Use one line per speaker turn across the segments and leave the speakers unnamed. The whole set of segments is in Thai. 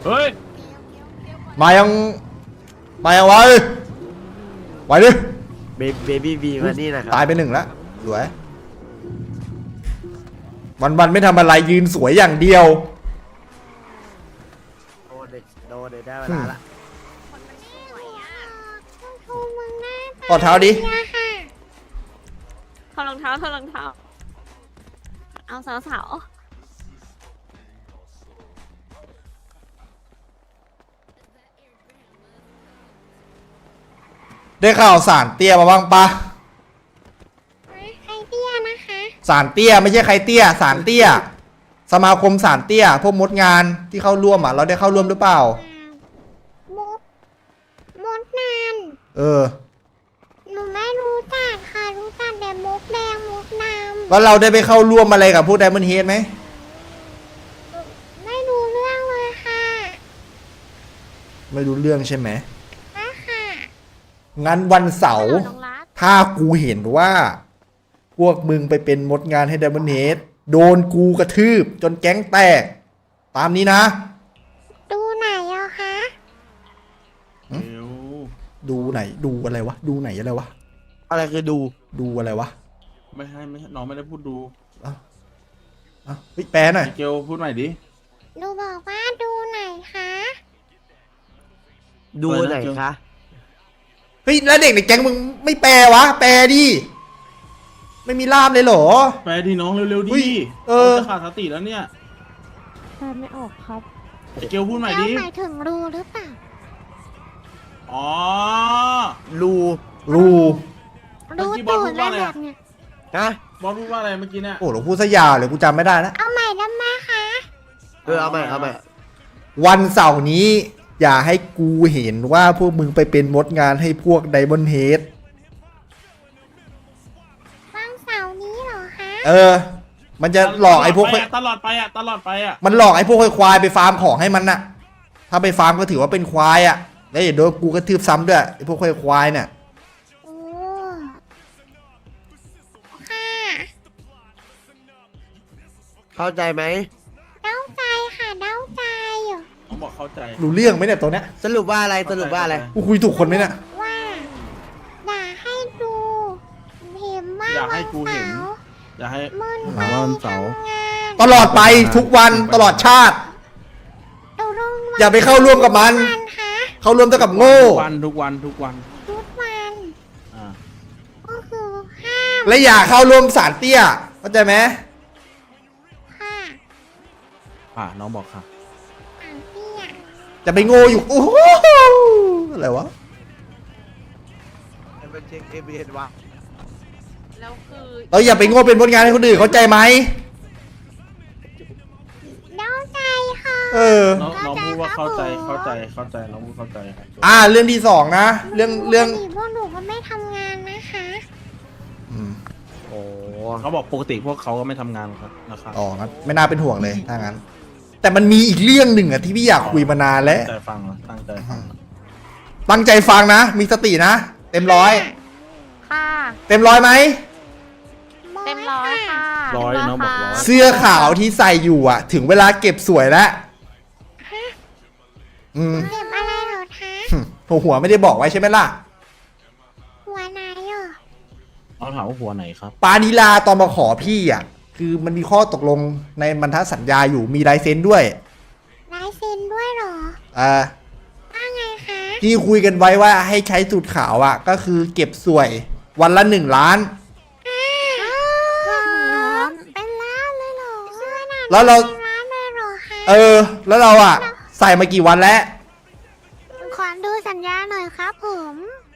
เฮ้ย
มายังไวดิ
เบบี้บีมานี่นะครับ
ตายไป1แล้วสวยวันไม่ทำอะไรยืนสวยอย่างเดียว
โดนได้เวลาละ
กอดเท้าดิ
ถอดรองเท้าเอาสาว
ได้ข่าวสารเตี้ยมาบ้างปะ
ใครเตี้ยนะคะ
สารเตี้ยไม่ใช่ใครเตี้ยสารเตี้ยสมาคมสารเตี้ยพวกมดงานที่เข้าร่วมอ่ะเราได้เข้าร่วมหรือเปล่า
มดนาน หนูไม่รู้จักค่ะรู้จักแต่มดแดงมดน้
แล้วเราได้ไปเข้าร่วมอะไรกับพวกไดมอนด์เฮดไหม
ำไม่รู้เรื่องเลยค่ะ
ไม่รู้เรื่องใช่ไหม
นะค่ะ
งั้นวันเสาร์
น้องรัก
ถ้ากูเห็นว่า พวกมึงไปเป็นมดงานให้ไดมอนด์เฮดโดนกูกระทืบจนแก๊งแตก ตามนี้นะ
ดูไหนอะคะ
เดี๋ยว
ดูไหนดูอะไรวะดูไหนอะไรวะ
อะไรคือดู
อะไรวะ
ไม่ให้น้องไม่ได้พูดดู
เฮ้ยแปลหน่อย
มิเกลพูดใหม่ดิ
หนูบอกว่าดูไหนคะ
ดูไหนคะ
เฮ้ยแล้วเด็กในแก๊งมึงไม่แปลวะ แปลดิไม่มีล่ามเลยเหรอ
แปลที่น้องเร็วๆ
เฮ้
ดิ
ย
จะขาดสติแล้วเนี่ย
แปลไม่ออกครับ
มิเกลพูดใหม่
แล้
ดิ
วหมายถึงรูหรือเปล่า
อ๋อ
รู
รู
รูตูดอะไรแบบเนี้ย
ฮะ
บอสพูดว่าอะไรเมื่อกี้เนี่ย
โอ้หลวงพูดซะยาวเลยกูจำไม่ได้แล้ว
เอาใหม่ได้ไหมคะ
เอาใหม่
วันเสาร์นี้ อย่าให้กูเห็นว่าพวกมึงไปเป็นมดงานให้พวกไดมอนด์เฮด
วันเสาร์นี้เหรอคะ
มันจะหลอกไอ้พวก
ตลอดไปอ่ะ
มันหลอกไอ้พวกควายไปฟาร์มของให้มันน่ะ ถ้าไปฟาร์มก็ถือว่าเป็นควายอ่ะแล้วอย่าโดนกูกระทืบซ้ำด้วยไอ้พวกควายเนี่ย
โอ้ค่ะ
เข้าใจไหม
เด้าใจค่ะเด้าใจ
น้องบอกเข้าใจ
รู้เรื่องไหมเนี่ยตัวเนี้ย
สรุปว่าอะไร
กูคุยถูกคนไหมเนี่ย
ว่าอยากให้ดูเห็นว่า
อยากให้กูเห็น
วันสาร์
อย่าให้
มึน
หาว่าวันเสาร์
ทำงาน
ตลอดไปทุกวันตลอดชาติ
ตกลงวัน
อย่าไปเข้าร่วมกับมัน
วันคะ
เข้าร่วมเท่ากับโง่
ทุกวัน
ทุกวัน
อ่า
ก็คือห้าม
และอย่าเข้าร่วมสารเตี้ยเข้าใจไหม
ค่ะ
น้องบอกค่ะ
อ่านเตี้ย
จะไปโง่อยู่โอ้โหอะไรวะ
เป็นเช็คเอเบียนวะ
แล้วคือ
เราอย่าไปโง่เป็นผลงานให้คนอื่นเข้าใจไหม
เด้าใจค่ะ
น้องพูดว่าเข้าใจน้องพูดเข้าใจ
เรื่องที่สองนะเรื่อง
ปกติพวกหนูก็ไม่ทำงานนะคะ
โอ้
เขาบอกปกติพวกเขาก็ไม่ทำงานครับนะครับ
อ๋องั้นไม่น่าเป็นห่วงเลยถ้างั้น แต่มันมีอีกเรื่องหนึ่งอะที่พี่อยากคุยมานานแล้ว
ตั้งใจฟังนะตั้งใจฟังนะ
ตั้งใจฟังนะ มีสตินะ เต็มร้อย
ค่ะ
เต็มร้อยไหม
เต็มร้อยค่ะ
ร้อยน้องบอกร้อย
เสื้อขาวที่ใส่อยู่อะถึงเวลาเก็บสวยแล้วอืม
เก็บอะไรเหรอคะ
หัวไม่ได้บอกไว้ใช่ไหมล่ะ
หัวไหนเหรอ
น้องถามว่าหัวไหนครับ
ปานิลาตอนมาขอพี่อะคือมันมีข้อตกลงในบรรทัดสัญญาอยู่มีลายเซ็นด้วย
ลายเซ็นด้วยเหรอ ว่าไงคะ
ที่คุยกันไว้ว่าให้ใช้สูตรขาวอะก็คือเก็บสวยวันละ1 ล้าน
เป็นล้านเลยเหรอเสื้อหนา
แล้วเรา
เป็นล้านเลยเหรอคะ
แล้วเราอะใส่มากี่วันแล้ว
ขอดูสัญญาหน่อยครับผม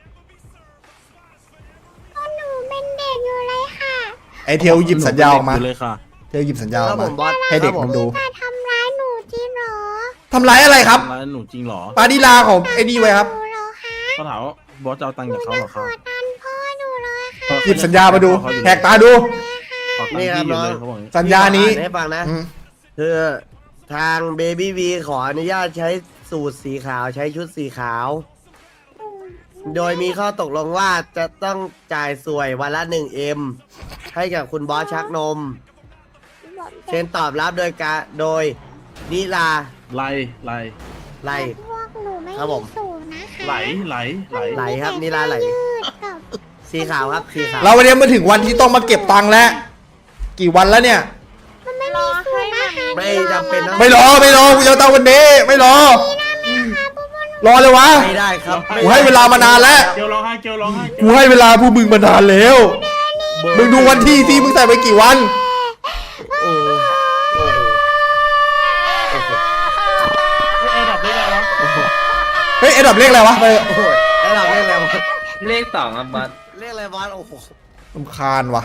ก็หนูเป็นเด็กอยู่เลยค่ะ
ไอเทลหยิบสัญญาออกมา
หนูเป็นเด็เลยค่ะ
เทลหยิบสัญญาอ
ครั
อบ ก
ผ
มา
มบอส
ให้เด็กมันดู
จะทำร้ายหนูจริงเหรอ
ทำร้ายอะไรครับ
ร้านหนูจริงเหรอ
ปานิลาของไอ้นี่ไว้ครับ
หนูเหรอคะ
เขาถามว่าบอสจะเอาตังค์จากเขาเหรอ
ข
ครับ
อตันพ่อหนูเลยค่ะ
หยิบสัญญามาดูแหกตาดู
ขอตังค์พี่อยู่เลยเขาบอกอย่างนี้
สัญญานี้
ให้ฟังนะ
อืม
คือทางเบบี้บีขออนุญาตใช้สูตรสีขาวใช้ชุดสีขาว โดยมีข้อตกลงว่าจะต้องจ่ายสวยวันละ1M ให้กับคุณบอสชักนม เช่นตอบรับโดยนิลา
ไล่
ไล่
พวกหนูไม่
ครับผม
มีสูตรนะคะ
ไหลไหลไหล
ไหลครับนี่ลาไหล
ยืดกับ
สีขาวครับสีขาว
เราวันนี้มาถึงวันที่ต้องมาเก็บตังค์แล้ว กี่วันแล้วเนี่ย
มันไม่มีสูตรนะคะ
ไม่จำเป็นต้อง
ไม่รอกูจะเอาตังค์วันนี้ไม่รอ รอเลยวะ
ไม่ได้ครับ
กูให้เวลามานานแล้ว
เกลร้องไห้เกลร้องไห้
กูให้เวลาพวกมึงมานานแล้ว มึงดูวันที่ที่มึงใส่ไปกี่วัน
โอ้โหโอ้โหโอ้โห
ไอ้ดับได้แล้ว
เฮ้ยไอ้ดับเลขอะไรวะไป
โอ้โหไอ้เราเรียกอะไรวะ
เลขสองครับบัส
เรียกอะไรบอสโอ้โห
รำคาญวะ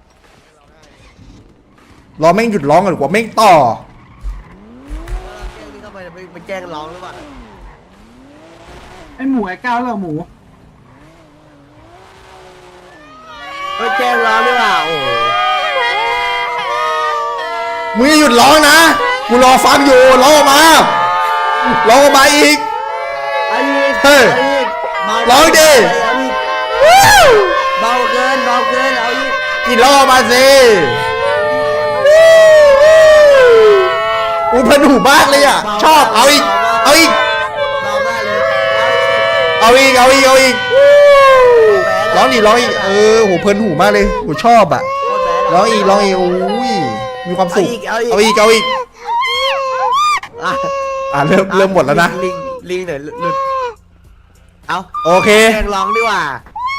รอแม่งหยุดร้องก่อนดีกว่าแม่งต่อ
แกล้งนี่เข้าไปแกล้งร้องหรือเปล่า
ไอหมูไอก้าวแล้วหมู
ไปแกล้งร้องหรือเปล่าโอ้โห
มึงอย่าหยุดร้องนะ กูรอฟังอยู่ร้องออกมาร้องออกมาอีก
ไอ้นี่
เฮ้ย
ไอ้นี่เบา
ร้องดิ
เอาอีกเบาเกินเอาอีก
กินร้องออกมาสิอุ้ยเพลินหูมากเลยอ่ะ ชอบเอาอีก เอาอีก
เบามากเลย
เอาอีกร้องดิร้องอีกโหเพลินหูมากเลยหูชอบอ่ะ
โคตรแบดะ
ร้องอีกอุ้ยมีความสุข
เอาอีก
เอาอีก
อ่ะ
เริ่มหมดแล้วนะ
ลิงหน่อยหลุดเอา
โอเค
แกล้งร้องดีกว่า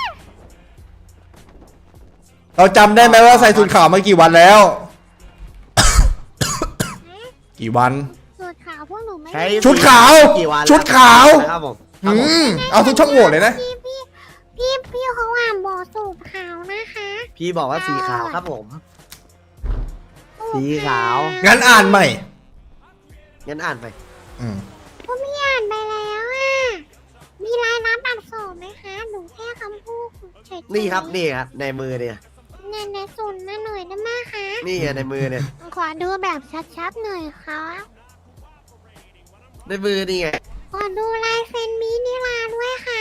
เราจำได้ไหมว่าใส่สูทขาวมากี่วันแล้ว กี่วัน
สูตรขาวพวกหนูไม่
ใช้
ชุดขาว
กี่วัน
ชุดขาว
ครับผม
เอาทุกช่องโหว่เลยนะ
พี่เขาอ่านบอกสูตรขาวนะคะ
พี่บอกว่าสีขาวครับผม สีขาว
งั้นอ่านใหม่
งั้นอ่านไป
ก็ไม่อ่านไปแล้วอ่ะมีรายรับอักษรไหมคะหนูแค่คำพูดเฉยๆ
นี่ครับในมือเนี่ย
ในสูตรมาหน่อยได้ไหมคะ
นี่ไงในมือเนี่ย
ขอดูแบบชัดๆหน่อยค่ะ
ในมือนี่ไง
ขอดูลายเซ็นมินิลาด้วยค่ะ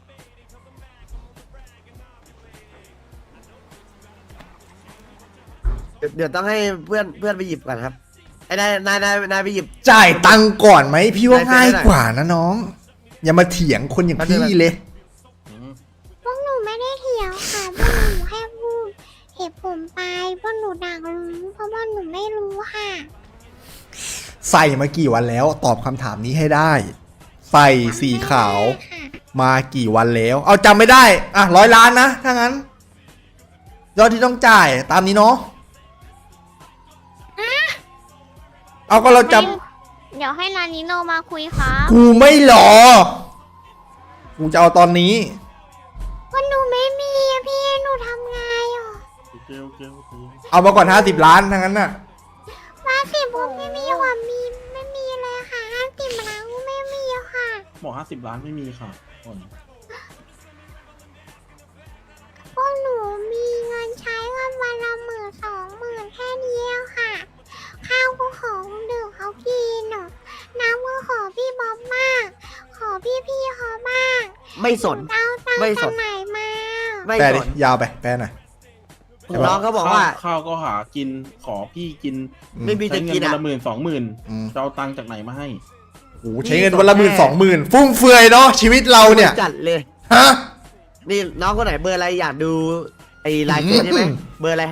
เดี๋ยวต้องให้เพื่อนไปหยิบก่อนครับไอ้นายไปหยิบ
จ่ายตังค์ก่อนไหมพี่ว่า
ได้
ง่าย
ได้
กว่านะน้อง อย่ามาเถียงคนอย่างพี่เลย
พวกหนูไม่ได้เถียงค่ะพวกหนูแค่พูดเหตุผลไปพวกหนูดักรู้เพราะว่าหนูไม่รู้ค่ะ
ใส่มากี่วันแล้ว ตอบคำถามนี้ให้ได้ ใส่สีขาว
ค่ะ
มากี่วันแล้ว เอาจำไม่ได้ อ่ะ100 ล้านนะ ถ้างั้น ยอดที่ต้องจ่ายตามนี้เนาะ เอาก็เราจ
เดี๋ยวให้นานิโนมาคุยครับ
ำกูไม่หรอ กูจะเอาตอนนี้
ว่าหนูไม่มีอะพี่หนูทำไงอ่ะ
เกล
เอามาก่อน50 ล้านถ้างั้นน่ะ
ว่าสิผมไม่มีหว่ามีไม่มีเลยค่ะ50 ล้านไม่มีอะค่ะ
บอก50 ล้านไม่มีค่ะคน
พวกหนูมีเงินใช้กันวันละ10,000-20,000แค่นี้เองค่ะ ข้าวก็ขอคนดื่มเขากินอ่ะน้ำก็ขอพี่บ๊อบมาก ขอพี่เขาบ้าง
ไม่สน
เอาตัง
ไม่
ค์
ส
จาน กไหนมา
ไม่
แปล
ส
ดิ
น
ยาวไป แปลหน่อย
น้องเขาบอกว่า
ข้าวก็หากินขอพี่กิน
ไม่มี
ใช้
จะ
เงิ
กิ
น
น
วัน
อ่ะ
ละ10,000-20,000
อืม
จะเอาตังค์จากไหนมาให้
โอ้โหใช้เงินวันละ10,000-20,000 ฟุ่มเฟือยเนาะชีวิตเราเนี่ย
จัดเลย
ฮะ
นี่น้องคนไหนเบอร์อะไรอยากดูไอ้ลายเซ็นใช่ไหม เบอร์อะไร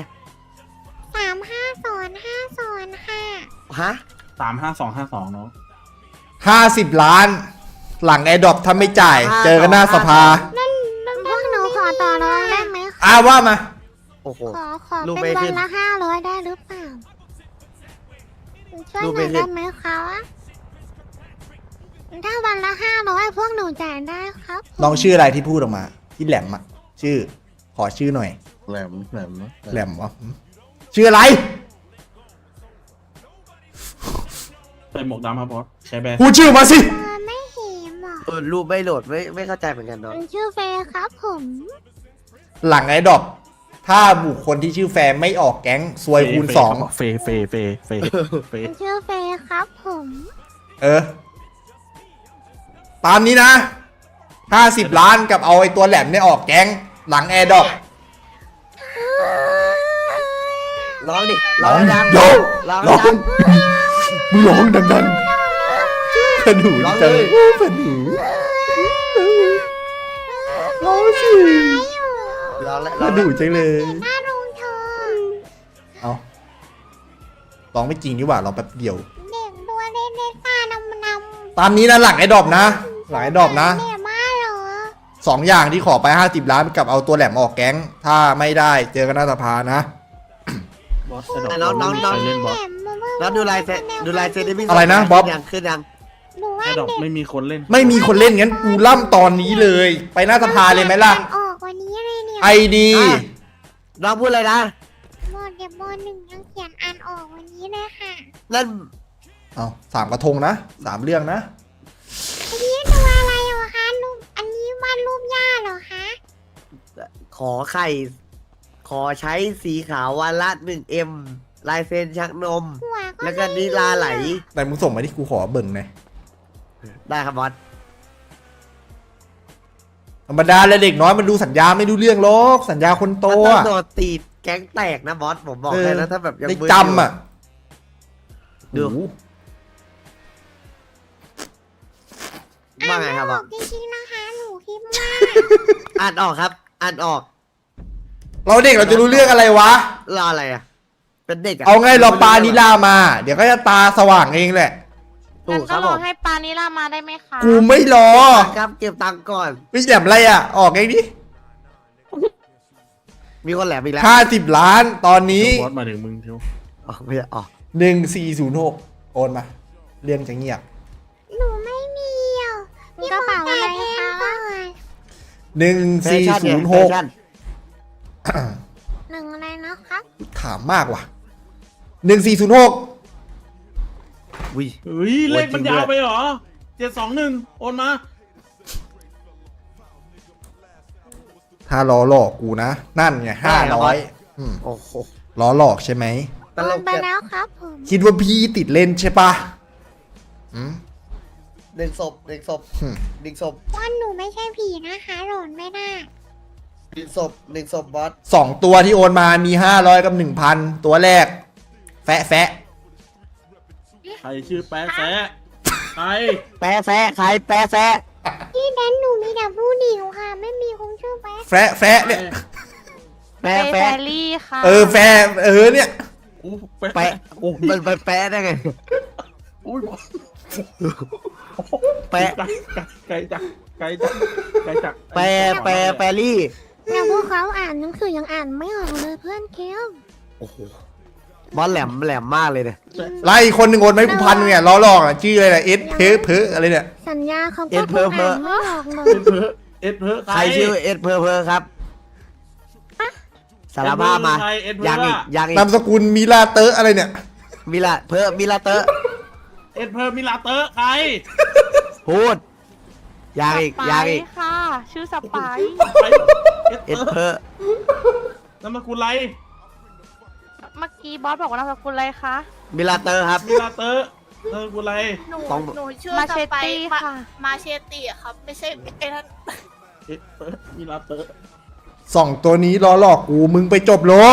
3550ค่ะ
ฮะ
35252เนาะ
50 ล้าน หลังแอร์ดรอปถ้าไม่จ่าย เจอกันหน้าสภา
พวกหนูขอต่อรองได้ไหมคะ
ว่ามา
โอ้โห
ขอ
รูป
เป็น
ไม่
วั
ขึ้
น
น
ละ500ได้หรือเปล่าช่วย
รู
ห
ป
น่
ไม่
อย
ขึ้น
ได้ไหมคะถ้าวันละ500พวกหนูจ่ายได้ครับ
น้องชื่ออะไรที่พูดออกมา ที่แหลมอะชื่อ ขอชื่อหน่อย
แหลม
แหลมวะชื่ออะไร
ใส่หมวกดำครับบอสใช้แบรนด์
พูดชื่อมาสิ
ไม่เห็นอ่ะ
รูปไม่โหลดไม่เข้าใจเหมือนกันเนาะ
มันชื่อเฟย์ครับผม
หลังแอร์ดรอปถ้าบุคคลที่ชื่อแฟนไม่ออกแก๊งซวยคูณ
เฟ
มันชื่อเฟย์ครับผม
2ตามนี้นะ50 ล้านกับเอาไอ้ตัวแหลมเนี่ยออกแก๊ง หลังแอร์ดรอป
ร้องดิร้องดัง
โย
ร้อง
ร้อ
ดั
ง
ง
มึงร้องดังขนูจังขนูร้องสิ
ลองแล้ว
ขนูจังเลย
หน้าลุงเธอ
เอาร้องไม่จริงดีกว่าร้องแป๊บเดียว
เด็กตัวเล็กๆตานำ
ตามนี้นะหลังไอ้ดอบนะหลังไอ้ดอบนะ
เด็กมากเหรอ
2 อย่างที่ขอไป50 ล้านกับเอาตัวแหลมออกแก๊งถ้าไม่ได้เจอกันหน้าสภานะ
บอสไอ้ดอกใครเล่นบอส
แล้วดูลายเซ็นได้พี่
อะไรนะบ๊อบ
ยังขึ้นยัง
หนูว่า
ไอ้ดอก
เด็ก
ไม่มีคนเล่น
ไม่มีคนเล่นงั้นกูล่ำตอนนี้เลย ไปหน้าสภาเลยไหมล่ะ
ออกวันนี้เลยเนี่ย
ไอดี
น้องพูดอะไรนะ
บอเด็กบอหนึ่งยังเขียนอ่านออกวันนี้เลยค่ะ
นั่น
เอา3 กระทงนะ3 เรื่องนะ
อันนี้ดูอะไรเหรอคะรูปอันนี้วาดรูปย่าเหรอคะ
ขอไข่ ขอใช้สีขาววันละ1M ลายเซ็นชักนม
หัวก็
แล้วก็นิลาไหล
แต่มึงส่งมาที่กูขอเบิ่งหน่อย
ได้ครับบอส
ธรรมดาเลยเด็กน้อยมันดูสัญญาไม่ดูเรื่องหรอกสัญญาคนโต
มันต้อง
อะ
โดนตีแก๊งแตกนะบอส ผมบอกเลยนะถ้าแบบยัง
ได้
มึน
จำอะ
ดู
โอ้โห
ว่าไงครับบ
อ
อ
อ
ส
กจริงๆนะคะหนูคิดว่า
อ่านออกครับ อ่านออก
เราเด็กเราจะรู้เรื่องอะไรวะ
รออะไรอ่ะ เป็นเด็กอ่ะ
เอาไงรอปลานิลามา เดี๋ยวก็จะตาสว่างเองแหละ
ถู
งั้
ก
น
ค
ก็
รับ
ร
ผ
อ
ม
ให้ปานิลามาได้ไหมคะ
กูไม่รอ
ครับเก็บตังค์ก่อน
ไม่แหลมอะไรอะออกเองดิ
มีคนแหลมอีกแล้ว
50 ล้านตอนนี้
บอสมาถึงมึงเทียว
อ๋อไม่ใช่อ๋อ
1406โอนมา เรื่องจะเงียบ
หนูไม่มีอ่ะ
มีกระเป๋าอะไร
พี่
คะ
ก่อน
แฟชั่นเนี่ยแฟชั่น
หนึ่งอะไรนะคะ
ถามมากว่ะ1406
วิ
เฮ้ยเลขมันยาวไปเหรอ721โอนมา
ถ้าล้อหลอกกูนะ นั่นไง500อืม
โอ้โห
ล้อหลอกใช่ไหม
ตลก
ไป
เกิน
แล้วครับผม
คิดว่าพี่ติดเล่นใช่ปะอืม
หนึ่งศพหนึ่งศพ
อืม
หนึ่งศพ
ว่าหนูไม่ใช่ผีนะคะหล่นไม่ได้
หนึ่งศพหนึ่งศพบอส
2 ตัวที่โอนมามี500กับ1,000ตัวแรก แฟะแฟะ
ใครชื่อแป๊ะแซะใคร
แปะแซะใครแปะแซะ
ที่แดนหนูมีแต่ผู้หญิงค่ะ ไม่มีคนชื่อแป๊ะ
แฟะแฟะเนี่ย
เป
แปะ
แฟ
แปะ
รี่ค่ะ
แฟะเนี่ย
อู้
แปะ
โอ้ย
มันไปแปะได้ไง
อุ้ยบอส
แปะ
ไกลจักไกลจักไกลจัก
แปะแปะแปะลี่
แต่พวกเขาอ่านหนังสือยังอ่านไม่ออกเลยเพื่อนเคียว
โอ้โหบอสแหลมแหลมมากเลยเนี่ย
ไล่คนหนึ่งโอนมาให้กู1,000เนี่ยล้อหลอกอะชื่ออะไรนะเอสเพออะไรเนี่ย
สัญญาเขาก็คงอ่านไม่ออกเลย
เอ็ดเพอ
ใครชื่อเอ็ดเพอเพอครับสารภาพมา
เอ็ดเพอ
ยังอีกยังอีก
นามสกุลมิลาเตอร์อะไรเนี่ย
มิลาเพอมิลาเตอร์
เอ็ดเพอมิลาเตอร์ใคร
พูดยังอีก
สไป
ยังอีก
ค่ะ ชื่อสไปร์
ไป
เอ็ดเพอ
นามสกุลไร
เมื่อกี้บอสบอกว่านามสกุลอะไรคะ
มิลาเตอร์ครับ
มิลาเตอร์นามสกุลไร
หนู
ต้อง
หนูชื่อ
มา
ส
เชต
ไป
ตี้
ร์
ค่ะ
มาเชตตี้อะครับ ไม่ใช่ไอ้นั่น
เอ็ดเพอมิลาเตอร์
2 ตัวนี้ล้อหลอกกูมึงไปจบโล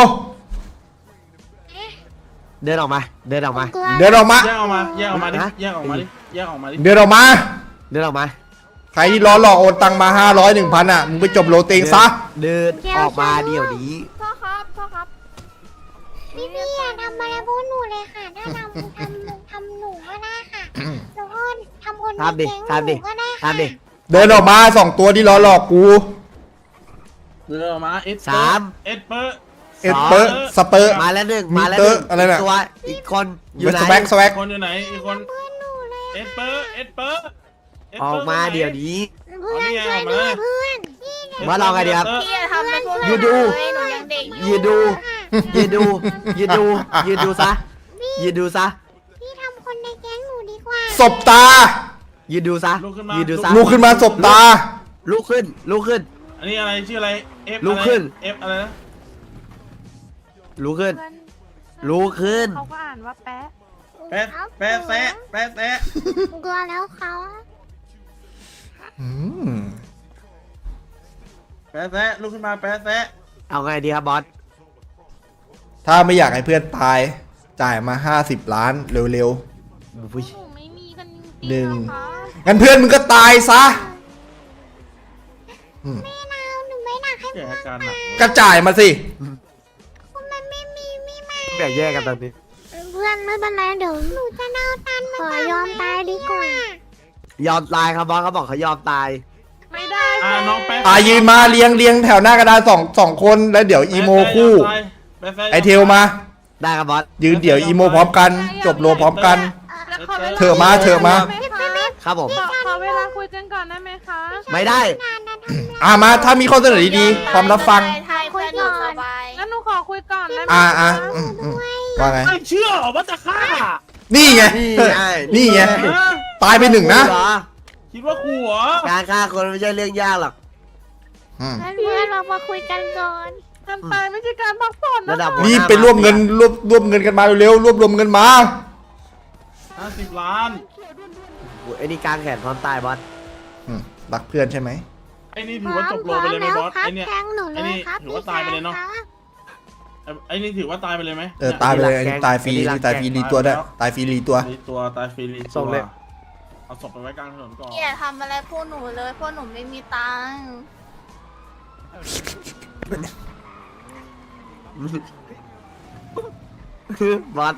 เดินออกมา เดินออกมา
เดินออกมา
แยกออกมาแยกออกมาดิ
ฮะ
แยกออกมาดิแยกออกมาดิ
เดินออกมา
เดินออกมา
ใครที่ล้อหลอกโอนตังมา500 1,000อ่ะมึงไปจบโลเตงซะ
เดินออกมาเดี๋ยวนี้
พ่อครับ พ่อครับ
พี่อย่าทำอะไรพวกหนูเลยค่ะ ถ้าทำหนูก็ได้ค่ะแล้วก็ทำคนใน
ทำดิ
แก๊ง
ทำดิ
หนูก็ได้ค่ะ
ทำดิ
เดินออกมา2 ตัวที่ล้อหลอกกู
เดินออกมาเอ็ด
สาม
เอ็ดเพอ
เอสเปอร์สเปอร์
มาแล้วหนึ่ง
มี
มาแล้วหนึ่ง
เตอร์อะไรน่ะ
กตัวอีกคนอยู่ไหน
สแวักสแวัก
คนอยู่ไหนอีกคน
เพื่อนหนูเลย
เอ็ดเพอเอ็ดเพอ
ออกมาเดี๋ยวนี้
เพื่อนช่วยด้วยเพื่อนพี่
ว่าเราไงดีครับ
พี่อย่าทำเป็นพวก
ยืนดู
หนูยังเด็กอยู่
ยืนดู ยืนดู ยืนดู ยืนดูซะ ยืนดูซะ
พี่ทำคนในแก๊งหนูดีกว่า
ศบตา
ยืนดูซะ
ลุกขึ้นมา
ยืนดูซะ
ลุกขึ้นมาศบตา
ลุกขึ้น ลุกขึ้น
อันนี้อะไรชื่ออะไรเอฟ
ลุกขึ้น
เอฟอะไรนะ
ลุกขึ้น ลุกขึ้น
เขาก็อ่านว่าแป๊ะ
แปะแปะแซะแปะแซะ
กลัวแล้วเขา
อืม
แปะแซะลุกขึ้นมาแปะแซะ
เอาไงดีครับบอส
ถ้าไม่อยากให้เพื่อนตาย จ่ายมา50 ล้านเร็ว
อุ้ย
หนูไม่มีกันจ
หนึ่ง
คะ
งั้นเพื่อนมึงก็ตายซะ
ไม่เอาหนูไม่อยากให้
แกอาการหนัก
กระจ่ายมาสิ
มันไม่มีไม่มา
แบ่งแยกกันตอนนี้
เพื่อนไม่เป็นไรเดี๋ยวหนูจะเอาตันขอยอมตายดีกว่า
ยอมตายครับบอสเขาบอกเขายอมตาย
ไม่ได้
น้องแป๊ะ
ยืนมาเรียงแถวหน้ากระดานสองคนแล้วเดี๋ยวอีโมคู่ ไอเทลมา
ได้ครับบอส
ยืนเดี๋ยวอีโมพร้อมกัน จบโลพร้อมกัน
แล้วขอวล
เธอมา
ครับผม
ขอเวลาคุยกันก่อนได้ไหมคะ
ไม่ได้
งานนะทำไร
มาถ้ามีข้อเสนอดีๆพร้อมรับฟัง
ไทยเพื่อนอยู่สบาย
งั้นหนูขอคุยก่อนได้ไหม
ว่าไง
ไม่เชื่อเหรอว่าจะฆ่า
นี่ไง
นี่ไง
ตายไปหนึ่งนะ
เหรอ
คิดว่าขู่เหรอ
การฆ่าคนไม่ใช่เรื่องยากหรอก
เพื่อนเรามาคุยกันก่อน
การตายไม่ใช่การพักผ่อนนะ
ระดับ
รีบไปรวบเงินรวบเงินกันมาเร็วๆรวมเงินมา
50 ล้าน
ไอ้นี่กลางแขนพร้อมตายบอส
รักเพื่อนใช่ไหม
ไอ้นี่ถือว่าจบโลไปเลยไหมบอส ไอ้เนี่ย
แทงหนูเล
ไอ้
ย
นี่
ครับ
ถือว่าตายไปเลยเนาะ ไอ้นี่ถือว่าตายไปเลยไหม
ตายไปเลยตายฟรีตายฟรีรีตัวด้วยตายฟรีรีตัว
รีตัวตายฟรีรีตัวเอาศพไปไว้กลางถนนก่อน
อย่าทำอะไรพวกหนูเลยพวกหนูไม่มีตังค์
บอส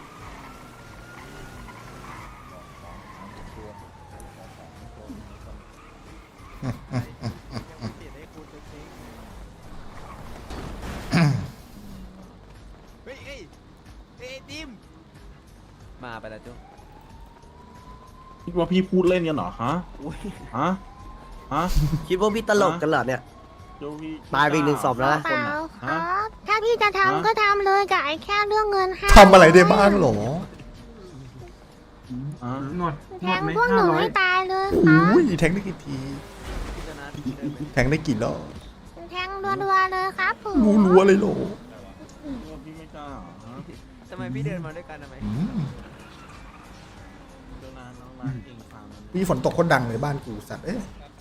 มาไปแล้วจุ๊
คิดว่าพี่พูดเล่นกันเหรอฮะฮะฮะ
คิดว่าพี่ตลกกันเหรอเนี่ย
เดี๋ยวพี่
ตายไปอีกหนึ่งศพแล้วนะ
เปล่าครับ ถ้าพี่จะทำก็ทำเลยกับไอ้แค่เรื่องเงินให้
ทำอะไรได้บ้างหรอ
ฮะ
หนวด
แท
หนวด
ง
ไหม
พวกหนู
500
ให้ตายเลยครับ
อุ้ยแทงได้กี่ที แทงได้กี่รอบ
แทงรัวๆเลยครับผม
รู้อะไรหรอ
คิดว่าพี่ไม่กล้าเหรอฮะ
ทำไมพี่เดินมาด้วยกันทำไม
เดี๋ยวนานน้องรักเองฟังมัน
มีฝนตกคนดังในบ้านกูสัตว์เอ๊ะ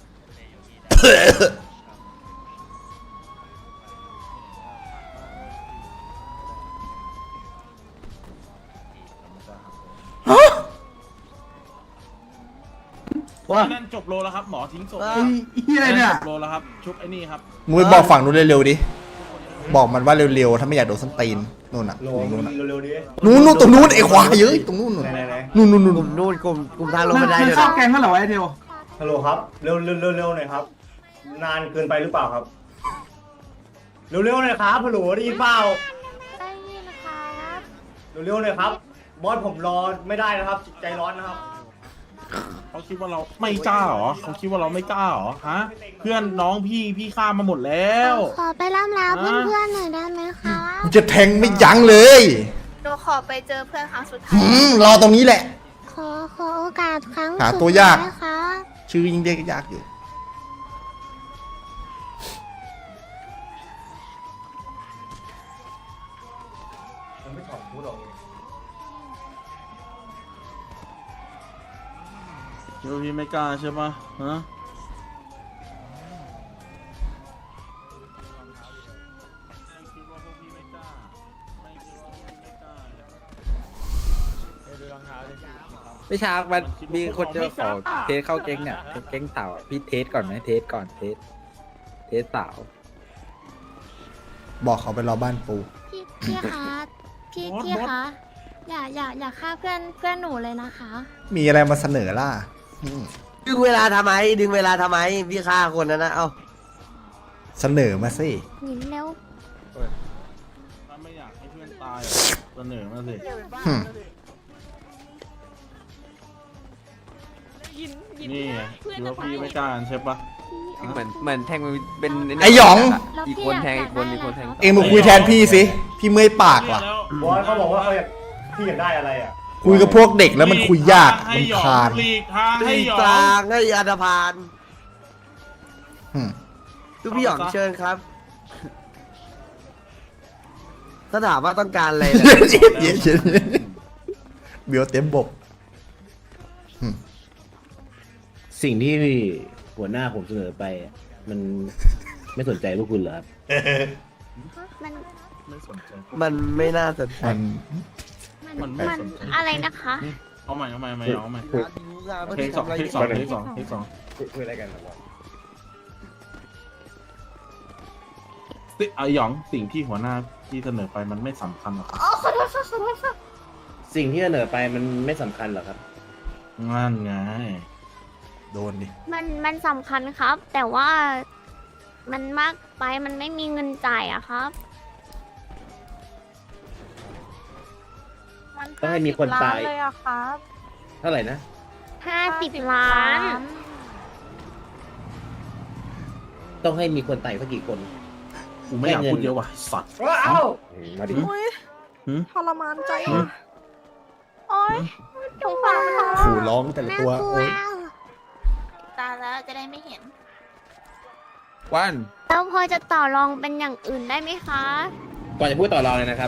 ว่า
นั่นจบโลแล้วครับหมอทิ้งศพ
เอ
ไอ้เหี้ยเนี่ย
จบโลแล้วครับชุบไอ้นี่ครับ
มึงไปบอกฝั่งนู้นเร็วๆดิ บอกมันว่าเร็วๆ ถ้าไม่อยากโดนส้นตีนนู่นน่ะนู่นน่ะ
เร็วๆดิ
นู่นตรงนู้นไอ้ควายเยอะตรงนู้นนู่น
ไหน
นู่น
กลุ่มนู่นกลุ่มทางลง
มั
บั
น
นได
มัน
เดี๋ยว
เข้า
นะ
แกงก็เหรอไอ้เทล
ฮัลโหลครับ เร็วหน่อยครับ นานเกินไปหรือเปล่าครับ เร็วๆหน่อยครับฮัลโหลได้ยินเปล่า
ได้ยินครับ
เร็วๆหน่อยครับ บอสผมรอไม่ได้นะครับ ใจร้อนนะครับ
เขาคิดว่าเราไม่กล้าเหรอเขาคิดว่าเราไม่กล้าเหรอฮะเพื่อนน้องพี่ฆ่ามาหมดแล้ว
ขอไปล่ำลาเพื่อนๆหน่อยได้ไหมคะ
กูจะแทงไม่ยั้งเลย
หนูขอไปเจอเพื่อนครั้งสุดท้าย
รอตรงนี้แหละ
ขอโอกาสครั้ง
หาตัวยาก
สุดท้ค่ะ
ชื่อยิ่งเรียกยากอยู่
มันไม่ถอนพูดออกเอง
คิดว่าพี่ไม่กล้าใช่ปะฮะคิดว่าพวกพี่ไม่กล้าไม่คิดว่าพวกพี่ไม่กล้า
ไม่ช้ามันมีคนจะขอเทสเข้าเก๊งเนี่ยเก๊งสาวอะพี่เทสก่อนไหมเทสก่อนเทสสาว
บอกเขาไปรอบ้านปู
พี่คะพี่คะอย่าฆ่าเพื่อนหนูเลยนะคะ
มีอะไรมาเสนอล่ะ
ดึงเวลาทำไมพี่ฆ่าคนนั้นนะเอ้า
เสนอมาสิ
หนิมเร็ว
ถ้าไม่อยากให้เพื่อนตายอะเสนอมาสิ นี่ไงคิดว่าพี่ไม่กล้าใช่ปะ
เหมือนแทงมันเป็น
ไอ้หยอง
อีกคนแทงอีกคนแทง
เองมาคุยแทนพี่สิ พี่เมื่อยปากว่ะ
บอสเขาบอกว่าเขาอยากพี่อยากได้อะไรอ่ะ
คุยกับพวกเด็กแล้วมันคุยยาก
ให้
มัน
หยอง
คาน
หลีกทางให้
ตี
หยอก
ลาง งให้อันธพาล
อืม
ทุกพี่หยองเชิญครับ ถ้าถามว่าต้องการอะไรนะ
เย็นๆเบียวเต็มบก
สิ่งที่หัวหน้าผมเสนอไป มันไม่สนใจพวกคุณเหรอครับ
มัน
ไม่สนใจ
มันไม่น่าสนใจ
มัน
มันไม่สนใจ
อะไรนะคะ
เอาใหม่เอาใหม่เอาใหม่
คุย
เทคสองเทคสองเทคสองเทคสอง
คุยอะไรกันครับ
ไอหยองสิ่งที่หัวหน้าที่เสนอไปมันไม่สำคัญหรอกครับ
สิ่งที่เสนอไปมันไม่สำคัญหรอครับ
นั่นไง
โดนดิ
มันสำคัญครับ แต่ว่ามันมากไปมันไม่มีเงินจ่ายอะครับ
มัน
ต้องให้มีคนตาย
50 ล้เลยอะครับ
เท่าไหร่นะ
50 ล้าน
ต้องให้มีคนตายสักกี่คน
กูไม่อยากพูดเยอะว่ะสัตว์
ว้าว
มาดิ
ทรมานใจอะโอ๊ยสงสารมัน
ขู่ร้องแต่ละตัว โอ๊ย
ตาแล้วจะได้ไม่เห็น
วัน
แล้วพอจะต่อรองเป็นอย่างอื่นได้ไหมคะ
ก่อนจะพูดต่อรองเลยนะครับ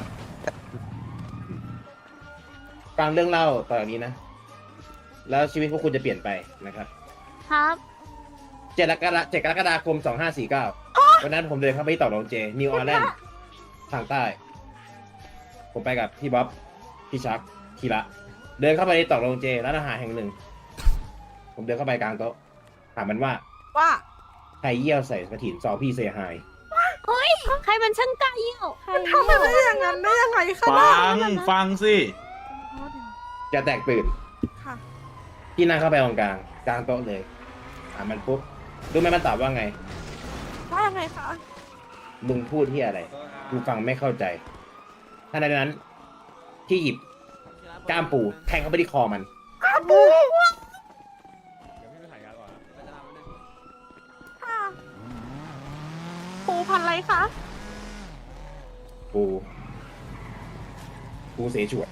ฟังเรื่องเล่าต่อจากนี้นะ แล้วชีวิตพวกคุณจะเปลี่ยนไปนะครับ
ครับ
7 กรกฎาคม 2549 วันนั้นผมเดินเข้าไปที่ต่อรองเจ นิวออร์แลนด์ทางใต้ ผมไปกับพี่บ๊อบ พี่ชักคีระ เดินเข้าไปในต่อรองเจร้านอาหารแห่งหนึ่ง ผมเดินเข้าไปกลางโต๊ะ ถามมันว่า
ว่า
ใครเยี่ยวใส่กระถิ่นซอพี่เซฮาย
เฮ้ย ใครมันช่างกล้าเยี่ยว
ทำไปได้อย่างนั้นได้ยังไงคะ
ฟังสิ
จะแตกตื่น
ค่ะ
พี่นั่งเข้าไปตรงกลางโต๊ะเลย ถามมันปุ๊บรู้ไหมมันตอบว่าไง
ว่ายังไงคะ
มึงพูดที่อะไร กูฟังไม่เข้าใจทันใดนั้น ที่หยิบก้ามปูแทงเข้าไปที่คอมัน
ปูพันอะไรคะ
ปูเสฉวน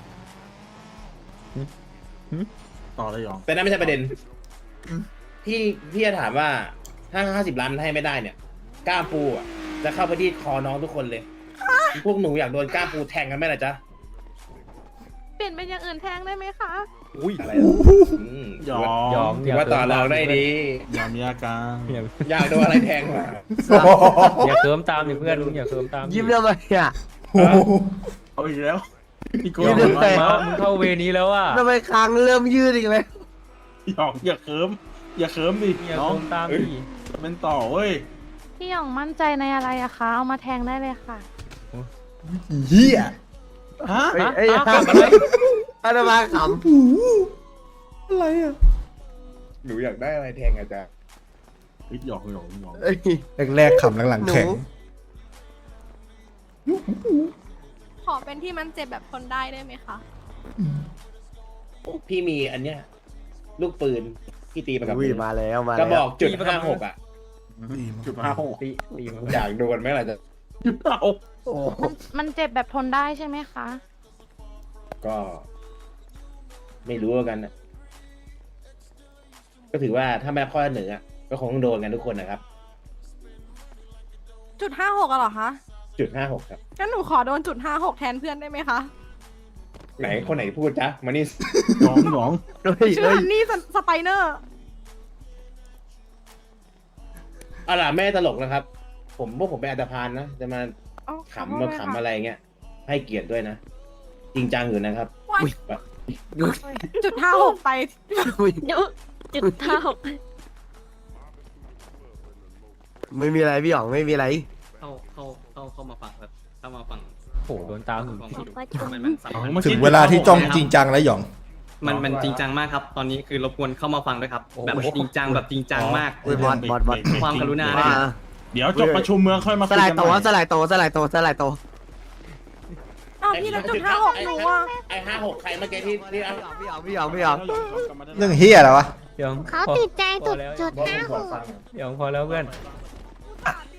ต่อเลยหยอง
แต่นั่นไม่ใช่ประเด็น พี่จะถามว่าถ้า50 ล้านให้ไม่ได้เนี่ย ก้ามปูอ่ะ จะเข้าไปที่คอน้องทุกคนเลย พวกหนูอยากโดนก้ามปูแทงกันไหมล่ะจ๊ะ
เปลี่ยนเป็นอย่างอื่นแทงได้ไหมคะ
อะไรอ่ะ
หยอง
ถือว่าต่อรองได้ดี
อย่ามีอาการ
อยากโดนอะไรแทงมา
อย่าเคิมตามดิเพื่อนลุงอย่าเคิมตาม
ยิ้มทำไมอ่ะ
เอาอีกแล้วพี่โก้
ยืด
หยอง
ไป
มึงเข้าเวนี้แล้วอ่ะ
ทำไมคางเริ่มยืดอีกเลย
อย่าเคิมอย่าเคิมดิ
อย่า
น้อง
เคิมตามดิ
เป็นต่อเว้ย
พี่หยองมั่นใจในอะไรอะคะ เอามาแทงได้เลยค่ะ
เฮีย
ฮะ
เอ้ย
อ้าวอะไร
อะไรมาข
อะไรอ่ะ
หนูอยากได้อะไรแทงอาจารย์
เฮ้ยหยองหยองหยอง
ำเอ้ย
แรกๆขำหลังๆแข็ง
ขอเป็นที่มันเจ็บแบบทนได้ได้ไหมคะ
พี่มีอันเนี้ย ลูกปืนพี่ตีมากับ
อุ้ย
มือ
มาแล้วมาก
ระบ
แล้
อ
ว
กจุด56อ่ะ
จุดห้าหก
ตีมัน
อยากโดนไหมล่ะจ๊ะ
จุดห้าหก
มันเจ็บแบบทนได้ใช่ไหมคะ
ก็ไม่รู้กันนะก็ถือว่าถ้าไม่รับข้อเสนออะก็คงต้องโดนกันทุกคนนะครับ
จุด56อะเหรอคะ
จุด56ครับ
งั้นหนูขอโดนจุด56แทนเพื่อนได้ไหมคะ
ไหนคนไหนพูดจ๊ะมานี่
หยองหยอง
เฮ้ย
ชื่อ
เฮ้ย
ฮันนี่สไปเนอร์
เอาล่ะไม่ได้ตลกนะครับ พวกผมเป็นอันตพานนะจะมาขำมาขำอะไรเงี้ยให้เกียรติด้วยนะ จริงจังอยู่นะครับ
จุด56ไป
จุดเท่า
ไม่มีอะไรพี่หยองไม่มีอะไร
เข้ามาฟังครับเข้ามาฟังโหโดนตามถึงที่
ว่าจุด
ถึงเวลาที่จ้องจริงจังแล้วหยอง
มันจริงจังมากครับ ตอนนี้คือรบกวนเข้ามาฟังด้วยครับแบบจริงจังแบบจริงจังมาก
อุ้ยบอส
ความกรุณา
ว่า
เดี๋ยวจบประชุมเมืองค่อยมา
สลายโตสลายโตสลายโตสลายโต
อ้าวพี่แล้วจุด56หนูอะ
ไอ้56ใครเมื่อกี้ที่
พี่หยอง
เรื่องเฮียอะไรวะ
เขาติดใจจุด
บอกผมขอฟัง
เดี๋ยวพอแล้วเพื่อน
พ